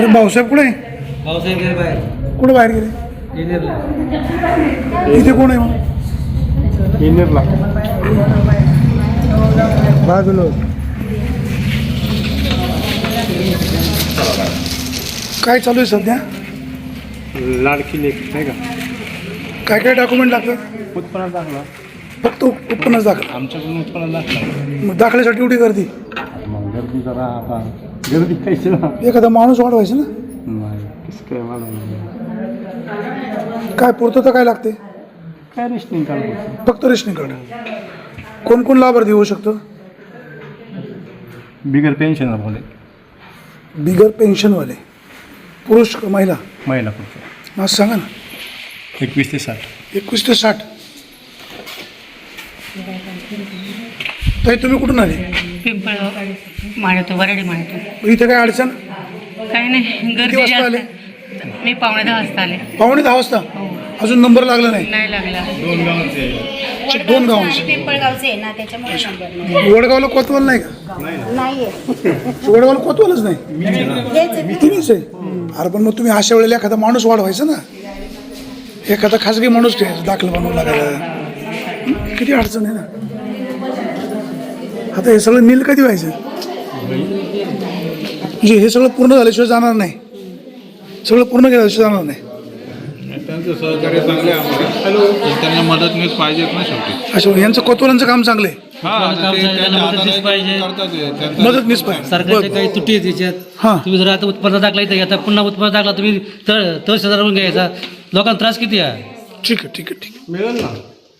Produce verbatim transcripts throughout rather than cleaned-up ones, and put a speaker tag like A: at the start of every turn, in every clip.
A: भाऊसाहेब कुठे आहे?
B: भाऊसाहेब गेले बाहेर.
A: कुठे बाहेर गेले?
B: इंजिनियरला.
A: इथे कोण आहे मग?
C: इंजिनियरला बाजूला.
A: काय चालू आहे सध्या?
C: लाडकी लेक नाही का?
A: काय काय डॉक्युमेंट लागतात?
C: उत्पन्न दाखला.
A: फक्त उत्पन्नच दाखल.
C: आमच्याकडून उत्पन्न दाखला.
A: मग दाखल्यासाठी एवढी गर्दी?
C: मग गर्दी जरा आता गर्दी काहीच ना.
A: एखादा माणूस वाढवायचा ना.
C: नाही कसं काय मला
A: काय पुरतं तर काय लागते?
C: काय रेशनिंग कार्ड.
A: फक्त रेशनिंग कार्ड. कोण कोण लाभार्थी होऊ शकतो?
C: बिगर पेन्शन बोले.
A: बिगर पेन्शनवाले पुरुष का महिला?
C: महिला पुढचं.
A: आज सांगा ना.
C: एकवीस ते साठ.
A: एकवीस ते साठ. ताई तुम्ही कुठून आले?
D: पिंपळगाव माळतो वराडी माळतो.
A: इथे काय अडचण?
D: काही नाही,
A: किती
D: गर्दी
A: वाजता आले?
D: जास्त. मी पावणे दहा वाजता आले.
A: पावणे दहा वाजता.
D: हो,
A: अजून नंबर लागला नाही?
D: नाही लागला.
A: दोन गावांचे.
E: पिंपळगावचे आहे ना, त्याच्यामुळे नंबर नाही.
A: वडगावला कोतवाल नाही का?
E: नाहीये.
A: वडगावला कोतवालच नाही.
E: हेच आहे.
A: तुम्हीच आहे. अरे पण मग तुम्ही अशा वेळेला एखादा माणूस वाढवायचा ना. एखादा खासगी माणूस ठेवायचा दाखल बनवू लागायला. किती अडचण आहे ना. आता हे सगळं नील कधी व्हायचं? म्हणजे हे सगळं पूर्ण झाल्याशिवाय जाणार नाही. सगळं पूर्ण केल्याशिवाय जाणार नाही.
F: त्यांचं सहकार्य चांगले आहे आम्हाला. हॅलो. त्यांना मदत मीच पाहिजेत ना शेवटी.
A: अच्छा, यांचं कोतवालांचं काम चांगलं आहे.
F: हां,
B: काम
F: ते
B: चांगलं,
F: त्यांच्या
B: मदत
F: हाताने
B: मीच पाहिजे.
F: करतात ते. त्यांचं-
A: मदत मीच पाहिजे.
B: सरकारच्या काही त्रुटी आहेत त्याच्यात.
A: हां.
B: तुम्ही जर आता उत्पन्न दाखला इथे आता पुन्हा उत्पन्न दाखला तुम्ही तळ तहसीलदार घ्यायचा. लोकांना त्रास किती आहे?
A: ठीक आहे ठीक आहे ठीक आहे.
F: मिळेल ना.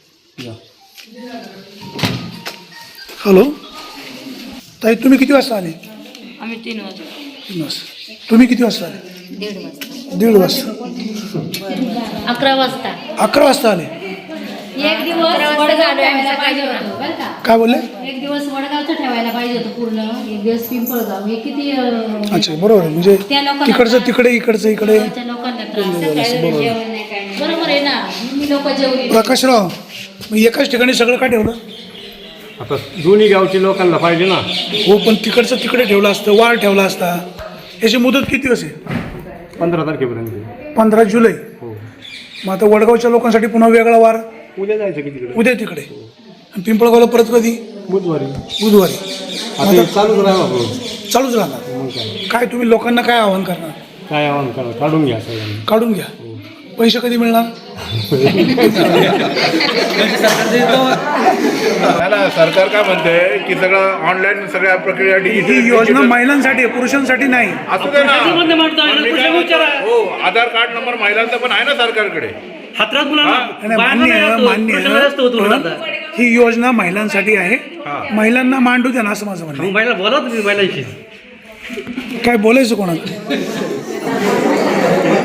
A: हॅलो ताई, तुम्ही किती वाजता आले?
D: आम्ही तीन वाजता.
A: तीन वाजता. तुम्ही किती वाजता आले?
D: दीड वाजता.
A: दीड वाजता.
D: अकरा वाजता.
A: अकरा वाजता आले.
E: एक दिवस वडगाव ठेवायला पाहिजे होतं बरं का.
A: काय बोलले?
E: एक दिवस वडगावचं ठेवायला पाहिजे होतं पूर्ण. एक दिवस पिंपळगाव. हे किती अं,
A: अच्छा, बरोबर आहे. म्हणजे
E: त्या लोकांना
A: तिकडचं तिकडे, इकडचं इकडे.
E: त्या लोकांना त्रास. जेवण नाही काय नाही. बरोबर आहे ना. मी लोक जेवली.
A: प्रकाशराव, मग एकाच ठिकाणी सगळं का ठेवलं?
C: आता दोन्ही गावच्या लोकांना पाहिजे ना.
A: हो, पण तिकडचं तिकडे ठेवलं असतं, वार ठेवला असता. याची मुदत किती असेल?
C: पंधरा तारखेपर्यंत.
A: पंधरा जुलै.
C: हो.
A: मग आता वडगावच्या लोकांसाठी पुन्हा वेगळा वार.
C: उद्या जायचं की तिकडे?
A: उद्या तिकडे. आणि पिंपळगावला परत कधी?
C: बुधवारी.
A: बुधवारी.
C: आता हे चालूच राहा बाबा.
A: चालूच राहणार.
C: मग काय
A: काय तुम्ही लोकांना काय आवाहन करणार?
C: काय आव्हान करा, काढून घ्या सगळ्यांनी.
A: काढून घ्या. पैसे कधी मिळणार?
F: नाही ना, सरकार काय म्हणते की सगळं ऑनलाईन सगळ्या प्रक्रिया
A: ही
F: डिजिटल
A: योजना महिलांसाठी आहे, पुरुषांसाठी नाही.
F: असू दे ना.
B: पुरुषांमध्ये मांडतो आहे,
F: पण मी काय
B: पुरुषांना
F: म्हणतो,
B: विचारा.
F: हो, आधार कार्ड नंबर महिलांचा पण आहे ना सरकारकडे.
B: हातरात मुलांना
A: नाही,
B: बायांना
A: मान्य
B: नाही
A: आहे,
B: असतो,
A: मान्य
B: पुरुषांना असतो तो
A: आहे.
B: मुलांचा.
A: पण ही योजना महिलांसाठी आहे. महिलांना मांडू द्या ना, असं माझं म्हणणं
B: मग बाईला बोला तुम्ही बाईलाशी.
A: आहे. काय बोलायचं कोणाला?